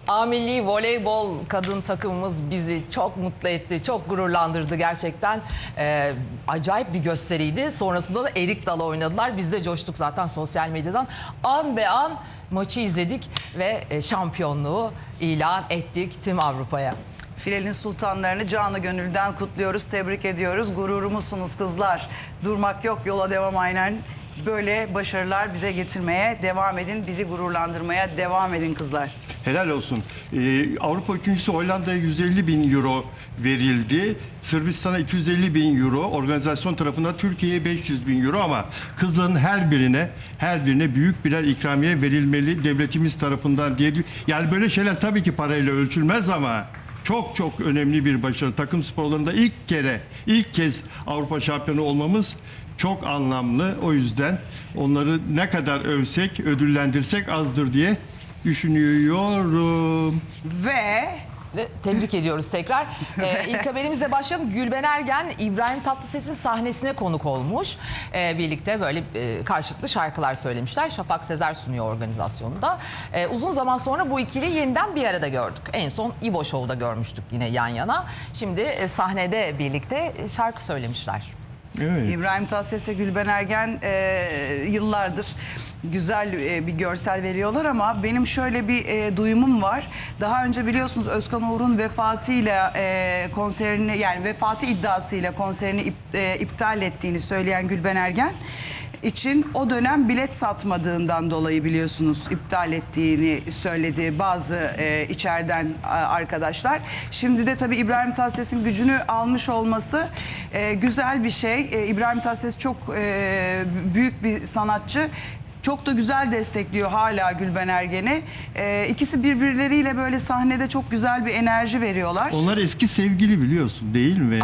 A Milli Voleybol kadın takımımız bizi çok mutlu etti, çok gururlandırdı gerçekten. Acayip bir gösteriydi. Sonrasında da erik dalı oynadılar. Biz de coştuk zaten sosyal medyadan. An be an maçı izledik ve şampiyonluğu ilan ettik tüm Avrupa'ya. Filenin sultanlarını canı gönülden kutluyoruz, tebrik ediyoruz. Gururumuzsunuz kızlar. Durmak yok, yola devam aynen. Böyle başarılar bize getirmeye devam edin. Bizi gururlandırmaya devam edin kızlar. Helal olsun. Avrupa üçüncüsü Hollanda'ya 150.000 euro verildi. Sırbistan'a 250.000 euro. Organizasyon tarafından Türkiye'ye 500.000 euro ama kızların her birine büyük birer ikramiye verilmeli devletimiz tarafından diye. Yani böyle şeyler tabii ki parayla ölçülmez ama çok çok önemli bir başarı. Takım sporlarında ilk kez Avrupa şampiyonu olmamız çok anlamlı. O yüzden onları ne kadar övsek, ödüllendirsek azdır diye düşünüyorum. Ve tebrik ediyoruz tekrar. İlk haberimizle başlayalım. Gülben Ergen, İbrahim Tatlıses'in sahnesine konuk olmuş. Birlikte böyle karşılıklı şarkılar söylemişler. Şafak Sezer sunuyor organizasyonda. Uzun zaman sonra bu ikiliyi yeniden bir arada gördük. En son İbo Show'da görmüştük yine yan yana. Şimdi sahnede birlikte şarkı söylemişler. Evet. İbrahim Tatlıses ve Gülben Ergen yıllardır güzel bir görsel veriyorlar ama benim şöyle bir duyumum var. Daha önce biliyorsunuz Özkan Uğur'un vefatıyla konserini, yani vefatı iddiasıyla konserini iptal ettiğini söyleyen Gülben Ergen için o dönem bilet satmadığından dolayı biliyorsunuz iptal ettiğini söyledi bazı içeriden arkadaşlar. Şimdi de tabii İbrahim Tatlıses'in gücünü almış olması güzel bir şey. İbrahim Tatlıses çok büyük bir sanatçı. Çok da güzel destekliyor hala Gülben Ergen'i. İkisi birbirleriyle böyle sahnede çok güzel bir enerji veriyorlar. Onlar eski sevgili biliyorsun değil mi?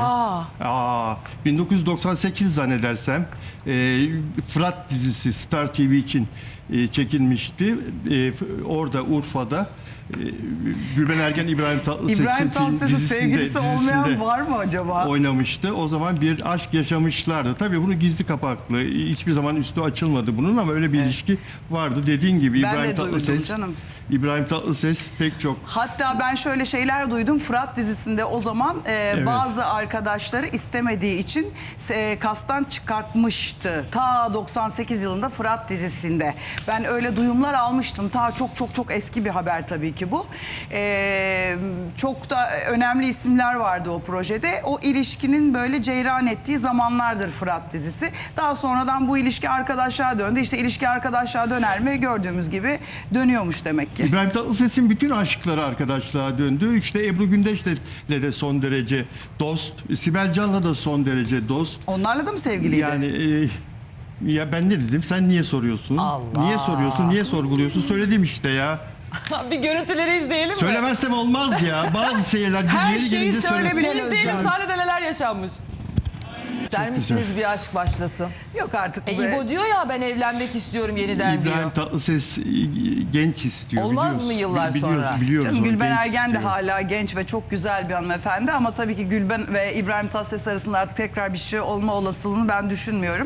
1998 zannedersem Fırat dizisi Star TV için çekilmişti. Orada Urfa'da Gülben Ergen İbrahim Tatlıses'in sevgilisi olmayan var mı acaba? Oynamıştı. O zaman bir aşk yaşamışlardı. Tabii bunu gizli kapaklı. Hiçbir zaman üstü açılmadı bunun ama öyle bir ilişki vardı. Dediğin gibi Ben İbrahim de duydum Tatlıses. canım. İbrahim Tatlıses pek çok. Hatta ben şöyle şeyler duydum. Fırat dizisinde o zaman bazı arkadaşları istemediği için kastan çıkartmıştı. Ta 98 yılında Fırat dizisinde. Ben öyle duyumlar almıştım. Ta çok eski bir haber tabii ki bu. Çok da önemli isimler vardı o projede. O ilişkinin böyle ceyran ettiği zamanlardır Fırat dizisi. Daha sonradan bu ilişki arkadaşlığa döndü. İşte ilişki arkadaşlığa döner mi? Gördüğümüz gibi dönüyormuş demek ki. İbrahim Tatlıses'in bütün aşkları arkadaşlığa döndü. İşte Ebru Gündeş'le de son derece dost. Sibel Can'la da son derece dost. Onlarla da mı sevgiliydi? Yani ya ben ne dedim? Sen niye soruyorsun? Allah. Niye soruyorsun? Niye sorguluyorsun? Söyledim işte ya. Bir görüntüleri izleyelim mi? Söylemezsem olmaz ya. Bazı şeyler Her yeri şeyi gelince söyle bile İzleyelim Özcan. sahnede neler yaşanmış. İster misiniz bir aşk başlasın? Yok artık. İbo diyor ya ben evlenmek istiyorum yeniden diyor. İbrahim Tatlıses genç istiyor. Olmaz mı yıllar sonra? Biliyoruz Canım, onu, Gülben genç Ergen de istiyor. hala genç ve çok güzel bir hanımefendi ama tabii ki Gülben ve İbrahim Tatlıses arasında artık tekrar bir şey olma olasılığını ben düşünmüyorum.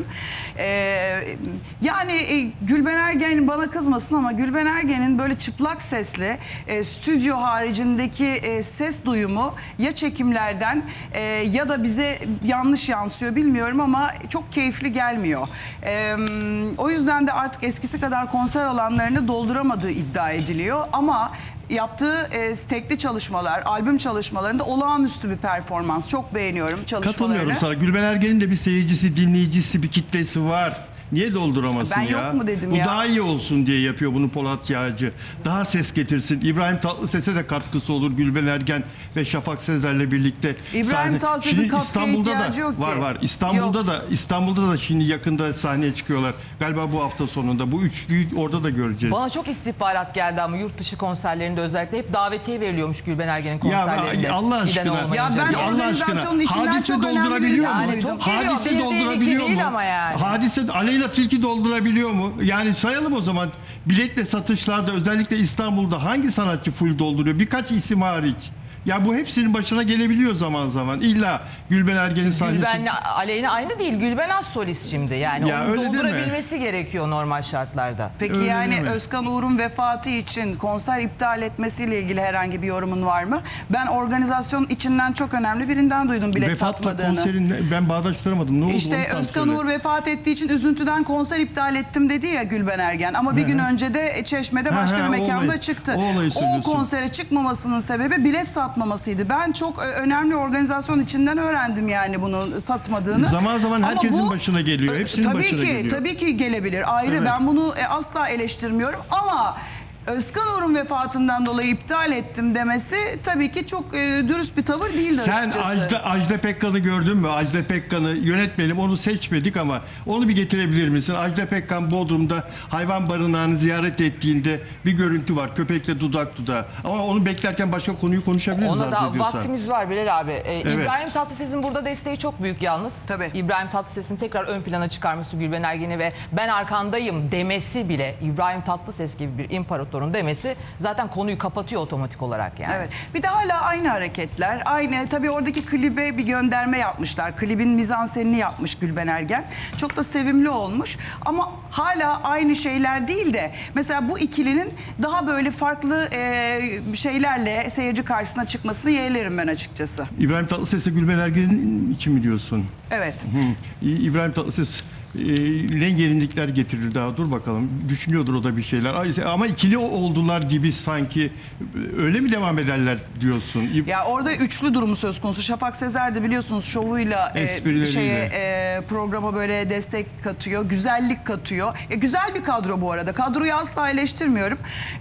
Yani Gülben Ergen bana kızmasın ama Gülben Ergen'in böyle çıplak sesli stüdyo haricindeki ses duyumu ya çekimlerden ya da bize yanlış yansıyor bilmiyorum ama çok keyifli gelmiyor. O yüzden de artık eskisi kadar konser alanlarını dolduramadığı iddia ediliyor ama yaptığı tekli çalışmalar, albüm çalışmalarında olağanüstü bir performans. Çok beğeniyorum çalışmalarını. Katılmıyorum sana. Gülben Ergen'in de bir seyircisi, dinleyicisi, bir kitlesi var. Niye dolduramasın Ben ya? yok mu dedim Bu ya? daha iyi olsun diye yapıyor bunu Polat Yağcı. Daha ses getirsin. İbrahim Tatlıses'e de katkısı olur Gülben Ergen ve Şafak Sezer'le birlikte. İbrahim Tatlıses'in Şimdi katkıya İstanbul'da ihtiyacı da yok ki. var. Yok. İstanbul'da da şimdi yakında sahneye çıkıyorlar. Galiba bu hafta sonunda. Bu üçlüyü orada da göreceğiz. Bana çok istihbarat geldi ama yurt dışı konserlerinde özellikle hep davetiye veriliyormuş Gülben Ergen'in konserlerinde. Ya Allah Giden aşkına. olmayınca Ya ben diye. Allah organizasyonun aşkına. içinden Hadise çok önemli doldurabiliyor mu? Yani çok geliyor. Hadise Bir değil, iki doldurabiliyor değil mu? ama yani. Hadise Aleyna Tilki doldurabiliyor mu? Yani sayalım o zaman. Biletle satışlarda özellikle İstanbul'da hangi sanatçı full dolduruyor? Birkaç isim hariç. Ya bu hepsinin başına gelebiliyor zaman zaman. İlla Gülben Ergen'in sahnesi. Gülben'le Aleyna aynı değil. Gülben az solist şimdi. Yani Ya onu öyle değil mi? doldurabilmesi gerekiyor normal şartlarda. Peki Öyle yani değil mi? Özkan Uğur'un vefatı için konser iptal etmesiyle ilgili herhangi bir yorumun var mı? Ben organizasyon içinden çok önemli birinden duydum bilet Vefatla satmadığını. konserin ben bağdaştıramadım. Ne oldu? İşte Onu tam Özkan söyle. Uğur vefat ettiği için üzüntüden konser iptal ettim dedi ya Gülben Ergen. Ama bir gün önce de Çeşme'de başka bir o mekanda olayı- çıktı. o olayı O söylüyorsun. konsere çıkmamasının sebebi bilet satmamasıydı. Ben çok önemli organizasyon içinden öğrendim yani bunu satmadığını. Zaman zaman Ama herkesin başına geliyor. Hepsinin tabii başına ki, geliyor. Tabii ki gelebilir. Ayrı, Evet. ben bunu asla eleştirmiyorum ama Özkan Uğur'un vefatından dolayı iptal ettim demesi tabii ki çok dürüst bir tavır değildi Sen açıkçası. Ajda Pekkan'ı gördün mü? Ajda Pekkan'ı yönetmenim, onu seçmedik ama onu bir getirebilir misin? Ajda Pekkan Bodrum'da hayvan barınağını ziyaret ettiğinde bir görüntü var. Köpekle dudak dudağa. Ama onu beklerken başka konuyu konuşabiliriz. Ona arzu da ediyorsan. vaktimiz var Bilal abi. İbrahim Tatlıses'in burada desteği çok büyük yalnız. Tabii. İbrahim Tatlıses'in tekrar ön plana çıkarması, Gülben Ergen'i ve ben arkandayım demesi bile, İbrahim Tatlıses gibi bir imparatorun demesi zaten konuyu kapatıyor otomatik olarak yani. Evet. Bir de hala aynı hareketler. Aynı. Tabii oradaki klibe bir gönderme yapmışlar. Klibin mizansenini yapmış Gülben Ergen. Çok da sevimli olmuş. Ama hala aynı şeyler değil de mesela bu ikilinin daha böyle farklı şeylerle seyirci karşısına çıkmasını yeğlerim ben açıkçası. İbrahim Tatlıses'e Gülben Ergen'in için mi diyorsun? Evet. İbrahim Tatlıses ne gelinlikler getirir daha, dur bakalım. Düşünüyordur o da bir şeyler. Ama ikili oldular gibi sanki, öyle mi devam ederler diyorsun? Ya orada üçlü durumu söz konusu. Şafak Sezer de biliyorsunuz şovuyla Esprileriyle. programa böyle destek katıyor, güzellik katıyor. Güzel bir kadro bu arada. Kadroyu asla eleştirmiyorum.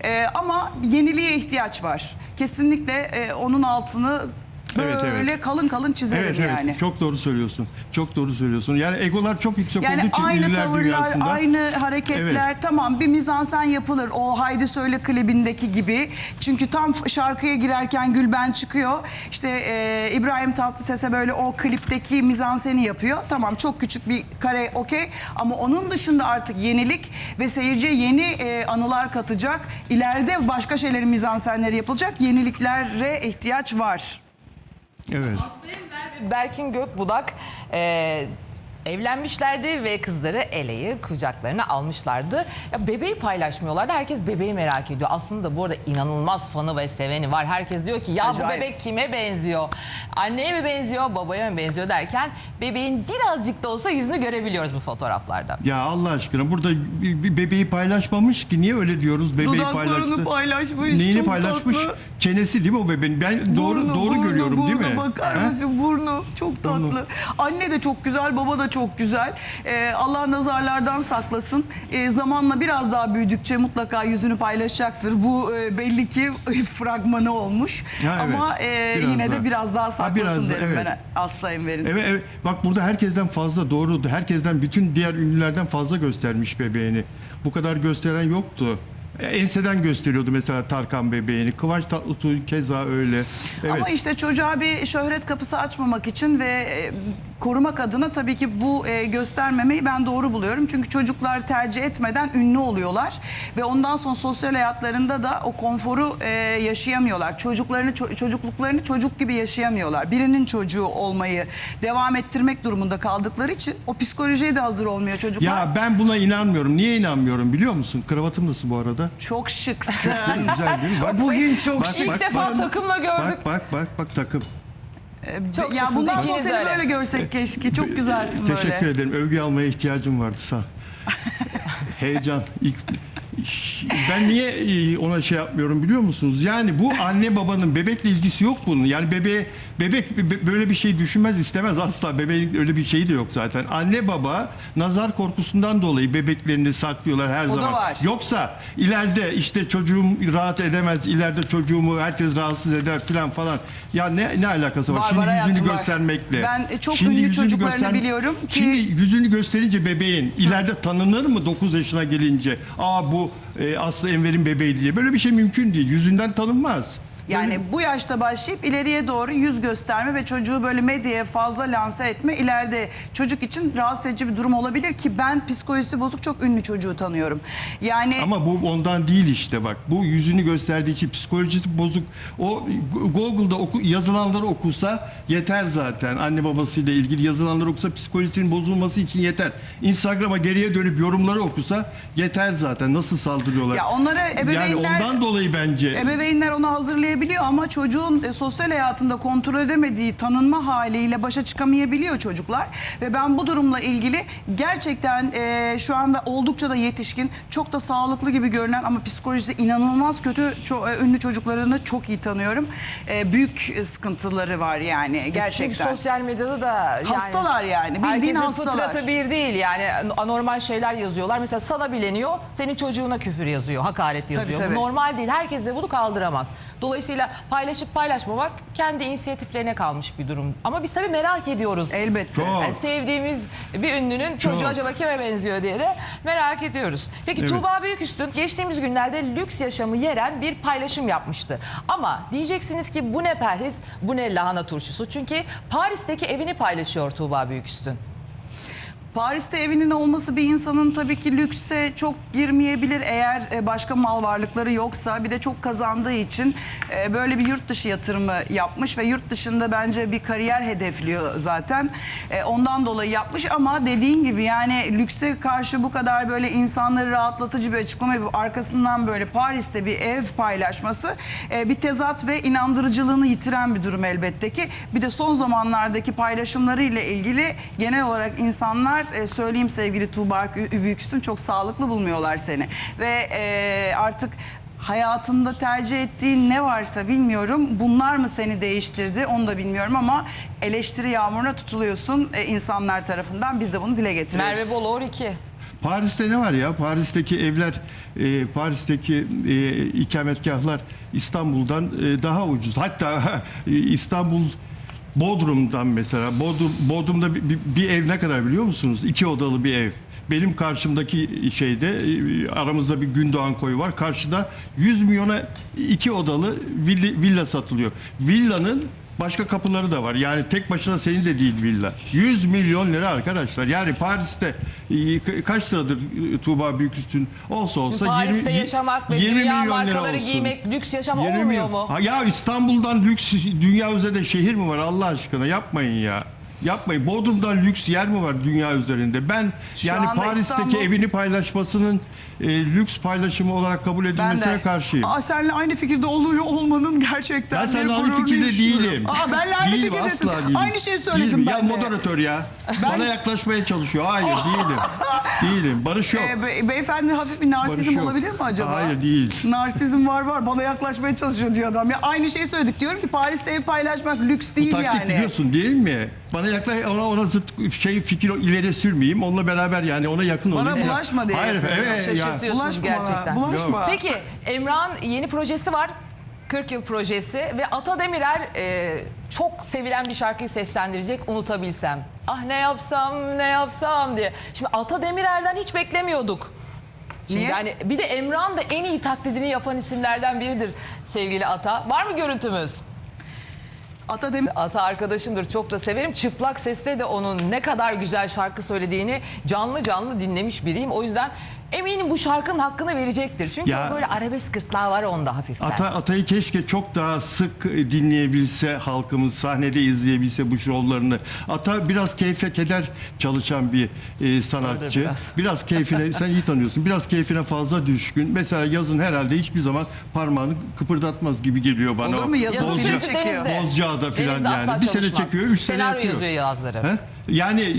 Ama yeniliğe ihtiyaç var. Kesinlikle onun altını böyle kalın kalın çizerim Evet, yani. evet. Çok doğru söylüyorsun. Çok doğru söylüyorsun. Yani egolar çok yüksek olduğu Yani için aynı ünlüler tavırlar, dünyasında. aynı hareketler, Evet. tamam bir mizansen yapılır. O Haydi Söyle klibindeki gibi. Çünkü tam şarkıya girerken Gülben çıkıyor. İşte İbrahim Tatlıses'e böyle o klipteki mizanseni yapıyor. Tamam, çok küçük bir kare, okey. Ama onun dışında artık yenilik ve seyirciye yeni anılar katacak. İleride başka şeylerin mizansenleri yapılacak. Yeniliklere ihtiyaç var. Evet. Aslı Enver ve Berkin Gökbudak evlenmişlerdi ve kızları Ele'yi kucaklarına almışlardı. Ya bebeği paylaşmıyorlardı. Herkes bebeği merak ediyor. Aslında bu arada inanılmaz fanı ve seveni var. Herkes diyor ki ya Acayip. bu bebek kime benziyor? Anneye mi benziyor, babaya mı benziyor derken bebeğin birazcık da olsa yüzünü görebiliyoruz bu fotoğraflarda. Ya Allah aşkına, burada bir bebeği paylaşmamış ki, niye öyle diyoruz? Bebeği Dudaklarını paylaşmış. Neyini çok paylaşmış? tatlı. Çenesi değil mi o bebeğin? Ben doğru görüyorum değil mi? Bakar He? mısın? Burnu çok tatlı. Burnu. Anne de çok güzel, baba da çok güzel. Allah nazarlardan saklasın. Zamanla biraz daha büyüdükçe mutlaka yüzünü paylaşacaktır. Bu belli ki fragmanı olmuş. Ha, evet. Ama Biraz yine daha. de biraz daha saklasın biraz da, derim evet. ben Aslı Enver'in. Evet, evet. Bak burada herkesten fazla, doğru. Herkesten, bütün diğer ünlülerden fazla göstermiş bebeğini. Bu kadar gösteren yoktu. Enseden gösteriyordu mesela Tarkan bebeğini. Kıvanç Tatlıtuğ keza öyle. Evet. Ama işte çocuğa bir şöhret kapısı açmamak için ve korumak adına tabii ki bu göstermemeyi ben doğru buluyorum. Çünkü çocuklar tercih etmeden ünlü oluyorlar ve ondan sonra sosyal hayatlarında da o konforu yaşayamıyorlar. Çocukluklarını çocuk gibi yaşayamıyorlar. Birinin çocuğu olmayı devam ettirmek durumunda kaldıkları için o psikolojiye de hazır olmuyor çocuklar. Ya ben buna inanmıyorum. Niye inanmıyorum biliyor musun? Kravatım nasıl bu arada? Çok şıksın. Güzel değil mi? Bak, Bugün çok şık. İlk defa takımla gördük. Bak takım. Çok Ya şıksınız, bundan sonra ikiniz seni öyle. böyle görsek keşke. Çok güzelsin böyle. Teşekkür ederim. Övgü almaya ihtiyacım vardı, sağ ol. Heyecan. Ben niye ona şey yapmıyorum biliyor musunuz? Yani bu anne babanın bebekle ilgisi yok bunun. Yani bebek böyle bir şey düşünmez, istemez asla. Bebeğin öyle bir şeyi de yok zaten. Anne baba nazar korkusundan dolayı bebeklerini saklıyorlar her zaman. var. Yoksa ileride işte çocuğum rahat edemez, ileride çocuğumu herkes rahatsız eder falan. Ya ne alakası var? Var, Şimdi var hayatım, yüzünü var. göstermekle. Ben çok Şimdi ünlü yüzünü çocuklarını biliyorum ki- Şimdi yüzünü gösterince bebeğin ileride tanınır mı 9 yaşına gelince? Aa bu Aslı Enver'in bebeği diye. Böyle bir şey mümkün değil. Yüzünden tanınmaz. Yani bu yaşta başlayıp ileriye doğru yüz gösterme ve çocuğu böyle medyaya fazla lanse etme ileride çocuk için rahatsız edici bir durum olabilir ki ben psikolojisi bozuk çok ünlü çocuğu tanıyorum. Yani Ama bu ondan değil işte bak. Bu yüzünü gösterdiği için psikolojisi bozuk. O Google'da yazılanları okusa yeter zaten. Anne babasıyla ilgili yazılanları okusa psikolojisinin bozulması için yeter. Instagram'a geriye dönüp yorumları okusa yeter zaten. Nasıl saldırıyorlar? ya onlara ebeveynler... Yani ondan dolayı bence... Ebeveynler onu hazırlayabiliyor ama çocuğun sosyal hayatında kontrol edemediği tanınma haliyle başa çıkamayabiliyor çocuklar. Ve ben bu durumla ilgili gerçekten şu anda oldukça da yetişkin, çok da sağlıklı gibi görünen ama psikolojisi inanılmaz kötü ünlü çocuklarını çok iyi tanıyorum. Büyük sıkıntıları var yani gerçekten. Çünkü sosyal medyada da yani Hastalar yani, bildiğin herkesin hastalar. fıtratı bir değil yani anormal şeyler yazıyorlar. Mesela sana bileniyor, senin çocuğuna küfür yazıyor, hakaret yazıyor. Tabii. Bu normal değil. Herkes de bunu kaldıramaz. Dolayısıyla paylaşıp paylaşmamak kendi inisiyatiflerine kalmış bir durum. Ama biz tabii merak ediyoruz. Elbette. Çok. Yani sevdiğimiz bir ünlünün çocuğu Çok. acaba kime benziyor diye de merak ediyoruz. Peki Evet. Tuğba Büyüküstün geçtiğimiz günlerde lüks yaşamı yeren bir paylaşım yapmıştı. Ama diyeceksiniz ki bu ne perhiz, bu ne lahana turşusu. Çünkü Paris'teki evini paylaşıyor Tuğba Büyüküstün. Paris'te evinin olması bir insanın tabii ki lükse çok girmeyebilir eğer başka mal varlıkları yoksa. Bir de çok kazandığı için böyle bir yurt dışı yatırımı yapmış ve yurt dışında bence bir kariyer hedefliyor zaten. Ondan dolayı yapmış ama dediğin gibi yani lükse karşı bu kadar böyle insanları rahatlatıcı bir açıklama yapıp arkasından böyle Paris'te bir ev paylaşması bir tezat ve inandırıcılığını yitiren bir durum elbette ki. Bir de son zamanlardaki paylaşımlarıyla ilgili genel olarak insanlar söyleyeyim sevgili Tuğba Büyüküstün çok sağlıklı bulmuyorlar seni. Ve artık hayatında tercih ettiğin ne varsa bilmiyorum. Bunlar mı seni değiştirdi onu da bilmiyorum ama eleştiri yağmuruna tutuluyorsun insanlar tarafından. Biz de bunu dile getiriyoruz. Merve Bolor 2. Paris'te ne var ya? Paris'teki evler, Paris'teki ikametgahlar İstanbul'dan daha ucuz. Hatta İstanbul Bodrum'dan mesela. Bodrum'da bir ev ne kadar biliyor musunuz? 2 odalı bir ev. Benim karşımdaki şeyde aramızda bir Gündoğan koyu var. Karşıda 100 milyona 2 odalı villa satılıyor. Villanın başka kapıları da var. Yani tek başına senin de değil villa. 100 milyon lira arkadaşlar. Yani Paris'te kaç liradır Tuğba Büyüküstün olsa Şimdi Paris'te yaşamak ve dünya markaları giymek lüks yaşam 20 olmuyor milyon. mu? Ha, ya İstanbul'dan lüks dünya üzerinde şehir mi var Allah aşkına yapmayın ya. Yapmayın. Bodrum'dan lüks yer mi var dünya üzerinde? Ben Şu yani anda Paris'teki İstanbul- evini paylaşmasının lüks paylaşımı olarak kabul Ben edilmesine de. karşıyım. Seninle aynı fikirde oluyor olmanın gerçekten Ben bir seninle aynı gururunu fikirde yaşıyorum. değilim. Benle aynı Değilim, fikirdesin. asla değilim. Aynı şeyi söyledim Değilim. ben Ya de. moderatör ya. Bana yaklaşmaya çalışıyor. Hayır değilim. Değilim. Barış yok. Beyefendi hafif bir narsizm Barış yok. olabilir mi acaba? Hayır, değil. Narsizm var. Bana yaklaşmaya çalışıyor diyor adam. Ya aynı şeyi söyledik. Diyorum ki Paris'te ev paylaşmak lüks Bu değil taktik yani. biliyorsun değil mi? Bana ona zıt fikir ileri sürmeyeyim. Onunla beraber yani ona yakın Bana olayım. bulaşma diye Hayır, yapıyorum. evet ya. Şaşırtıyorsunuz Bulaşma gerçekten. bana. Bulaşma. Peki Emrah'ın yeni projesi var. 40 yıl projesi ve Ata Demirer çok sevilen bir şarkıyı seslendirecek Unutabilsem. Ah ne yapsam diye. Şimdi Ata Demirer'den hiç beklemiyorduk. Şimdi Niye? yani bir de Emrah'ın da en iyi taklidini yapan isimlerden biridir sevgili Ata. Var mı görüntümüz? Ata arkadaşımdır, çok da severim. Çıplak sesle de onun ne kadar güzel şarkı söylediğini canlı canlı dinlemiş biriyim. O yüzden eminim bu şarkının hakkını verecektir. Çünkü Ya, böyle arabesk gırtlağı var onda hafiften. Atay'ı keşke çok daha sık dinleyebilse halkımız, sahnede izleyebilse bu şovlarını. Ata biraz keyfe keder çalışan bir sanatçı. Öyle Biraz keyfine, sen iyi tanıyorsun, biraz keyfine fazla düşkün. Mesela yazın herhalde hiçbir zaman parmağını kıpırdatmaz gibi geliyor bana. Olur mu? Yazın Yazın film sürekli çekiyor. denizde. Bozcaada falan Denizde asla yani. Bir sene çalışmaz. çekiyor, 3 sene Senaryo yapıyor. yazıyor yazları. He? Yani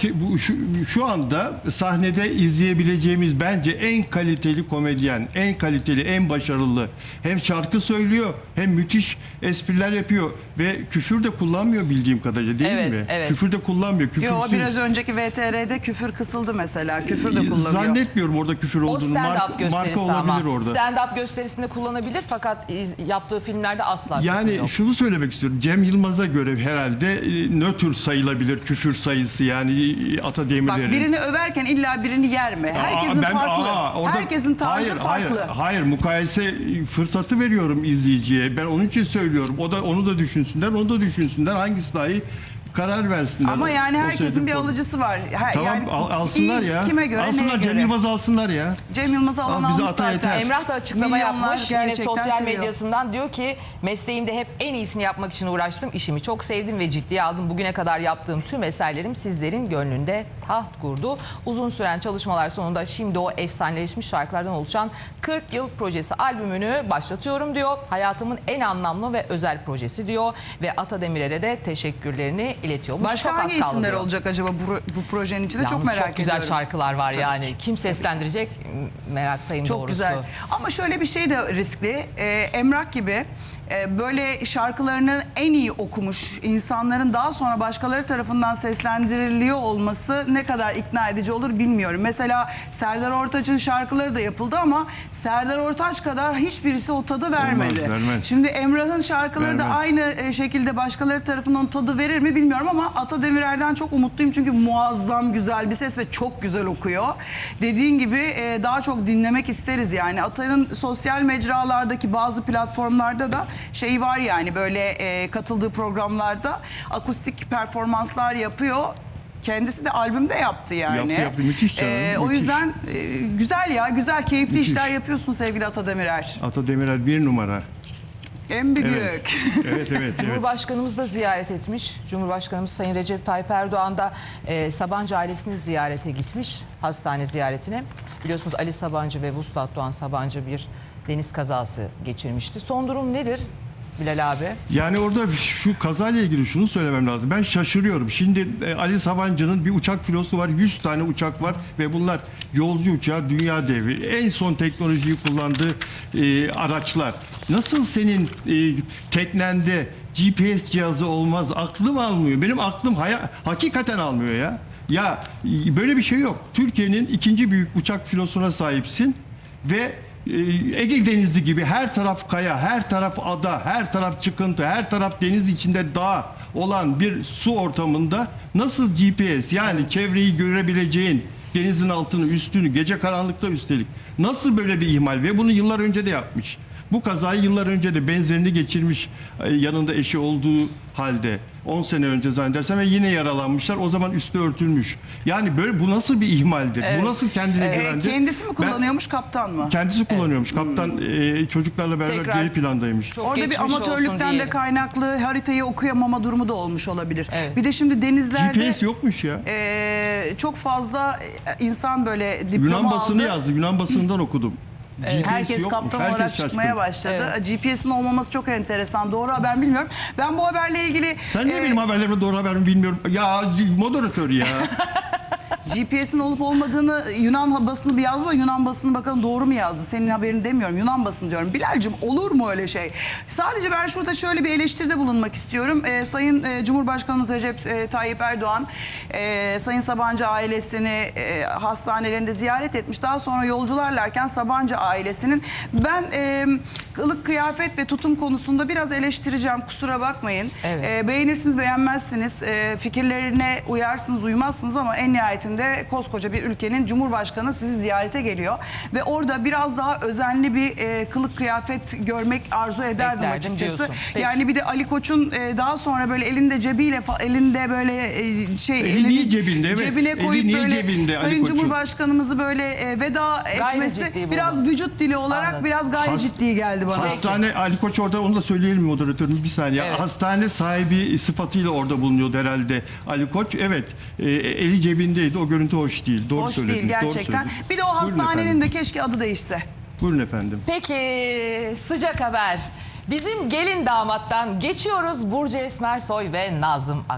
şu anda sahnede izleyebileceğimiz bence en kaliteli komedyen, en kaliteli, en başarılı. Hem şarkı söylüyor, hem müthiş espriler yapıyor ve küfür de kullanmıyor bildiğim kadarıyla değil Evet, mi? evet. Küfür de kullanmıyor. Yo, Küfürsüz. biraz önceki VTR'de küfür kısıldı mesela. Küfür de kullanıyor. Zannetmiyorum orada küfür O olduğunu. stand-up Marka gösterisi olabilir ama. orada. Stand-up gösterisinde kullanabilir fakat yaptığı filmlerde asla küfür Yani yok. şunu söylemek istiyorum. Cem Yılmaz'a göre herhalde nötr sayılabilir küfür tür sayısı yani Ata Bak Demirer'in. birini överken illa birini yerme. Herkesin farklı. Orada- Herkesin tarzı farklı. Hayır, mukayese fırsatı veriyorum izleyiciye. Ben onun için söylüyorum. Onu da düşünsünler, onu da düşünsünler. Hangisi daha iyi karar versinler. Ama yani O herkesin seyredip bir konu. alıcısı var. Tamam, Yani alsınlar iyi, ya. Kime göre, alsınlar, neye Cem göre? Yılmaz'ı alsınlar ya. Cem Yılmaz'ı alan Al, bize almış ata zaten. yeter. Emrah da açıklama Milyonlar yapmış. Yine gerçekten sosyal seviyor. medyasından diyor ki mesleğimde hep en iyisini yapmak için uğraştım. İşimi çok sevdim ve ciddiye aldım. Bugüne kadar yaptığım tüm eserlerim sizlerin gönlünde taht kurdu. Uzun süren çalışmalar sonunda şimdi o efsaneleşmiş şarkılardan oluşan 40 yıl projesi albümünü başlatıyorum diyor. Hayatımın en anlamlı ve özel projesi diyor ve Ata Demirer'e de teşekkürlerini iletiyormuş. Başka Çok az hangi kaldı isimler diyor. olacak acaba bu projenin içinde? Çok Yalnız merak çok güzel ediyorum. şarkılar var yani. Kim seslendirecek meraktayım Çok doğrusu. güzel. Ama şöyle bir şey de riskli. Emrah gibi böyle şarkılarını en iyi okumuş insanların daha sonra başkaları tarafından seslendiriliyor olması ne kadar ikna edici olur bilmiyorum. Mesela Serdar Ortaç'ın şarkıları da yapıldı ama Serdar Ortaç kadar hiçbirisi o tadı vermedi. vermez. Şimdi Emrah'ın şarkıları da Vermez. aynı şekilde başkaları tarafından tadı verir mi bilmiyorum ama Ata Demirer'den çok umutluyum çünkü muazzam güzel bir ses ve çok güzel okuyor. Dediğin gibi daha çok dinlemek isteriz yani. Ata'nın sosyal mecralardaki bazı platformlarda da şey var yani böyle katıldığı programlarda akustik performanslar yapıyor. Kendisi de albümde yaptı yani. Yaptı. Müthiş canım, O müthiş. yüzden güzel ya, güzel keyifli Müthiş. işler yapıyorsun sevgili Ata Demirer. Ata Demirer bir numara. En büyük. Evet. evet. Cumhurbaşkanımız da ziyaret etmiş. Cumhurbaşkanımız Sayın Recep Tayyip Erdoğan da Sabancı ailesini ziyarete gitmiş. Hastane ziyaretine. Biliyorsunuz Ali Sabancı ve Vuslat Doğan Sabancı bir deniz kazası geçirmişti. Son durum nedir Bilal abi? Yani orada şu kazayla ilgili şunu söylemem lazım. Ben şaşırıyorum. Şimdi Ali Sabancı'nın bir uçak filosu var. 100 tane uçak var ve bunlar yolcu uçağı, dünya devi. En son teknolojiyi kullandığı araçlar. Nasıl senin teknende GPS cihazı olmaz? Aklım almıyor. Benim aklım hakikaten almıyor ya. Ya böyle bir şey yok. Türkiye'nin ikinci büyük uçak filosuna sahipsin ve Ege Denizi gibi her taraf kaya, her taraf ada, her taraf çıkıntı, her taraf deniz içinde dağ olan bir su ortamında nasıl GPS yani çevreyi görebileceğin denizin altını, üstünü, gece karanlıkta üstelik nasıl böyle bir ihmal ve bunu yıllar önce de yapmış. Bu kazayı yıllar önce de benzerini geçirmiş yanında eşi olduğu halde 10 sene önce zannedersem ve yine yaralanmışlar. O zaman üstü örtülmüş. Yani böyle bu nasıl bir ihmaldir? Bu nasıl kendine güvendir? Kendisi mi kullanıyormuş, kaptan mı? Kendisi kullanıyormuş. Kaptan çocuklarla beraber Tekrar geri plandaymış. çok Orada bir geçmiş olsun amatörlükten de diyelim. kaynaklı haritayı okuyamama durumu da olmuş olabilir. Evet. Bir de şimdi denizlerde GPS yokmuş ya. çok fazla insan böyle diploma Yunan basını aldı. yazdı. Yunan basından okudum. GPS Herkes yokmuş. kaptan Herkes olarak şaşkın. çıkmaya başladı. GPS'in olmaması çok enteresan. Doğru haber bilmiyorum. Ben bu haberle ilgili Sen niye benim haberlerime doğru haber mi bilmiyorum. Ya moderatör ya. GPS'in olup olmadığını Yunan basını bir yazdı da Yunan basını bakalım doğru mu yazdı? Senin haberini demiyorum. Yunan basını diyorum. Bilal'cim olur mu öyle şey? Sadece ben şurada şöyle bir eleştiride bulunmak istiyorum. Sayın Cumhurbaşkanımız Recep Tayyip Erdoğan Sayın Sabancı ailesini hastanelerinde ziyaret etmiş. Daha sonra yolcularlarken Sabancı ailesinin ben kılık kıyafet ve tutum konusunda biraz eleştireceğim. Kusura bakmayın. Evet. Beğenirsiniz beğenmezsiniz. Fikirlerine uyarsınız uymazsınız ama en nihayetinde koskoca bir ülkenin Cumhurbaşkanı sizi ziyarete geliyor. Ve orada biraz daha özenli bir kılık kıyafet görmek arzu ederdim Beklerdim açıkçası. diyorsun. Peki. Yani bir de Ali Koç'un daha sonra böyle elinde cebiyle elinde böyle Eli niye cebinde? Evet. cebine Eli koyup niye böyle cebinde Ali Sayın Koç'un? Cumhurbaşkanımızı böyle veda etmesi ciddi biraz buldum. vücut dili olarak Anladım. biraz gayri ciddi geldi bana. Hastane Ali Koç orada onu da söyleyelim moderatörüm bir saniye. Evet. Hastane sahibi sıfatıyla orada bulunuyordu herhalde Ali Koç. Evet. Eli cebindeydi. O görüntü hoş değil. Doğru Hoş söylediniz. değil Doğru gerçekten. söylediniz. Bir de o Buyurun hastanenin efendim. de keşke adı değişse. Buyurun efendim. Peki sıcak haber. Bizim gelin damattan geçiyoruz Burcu Esmersoy ve Nazım Ak.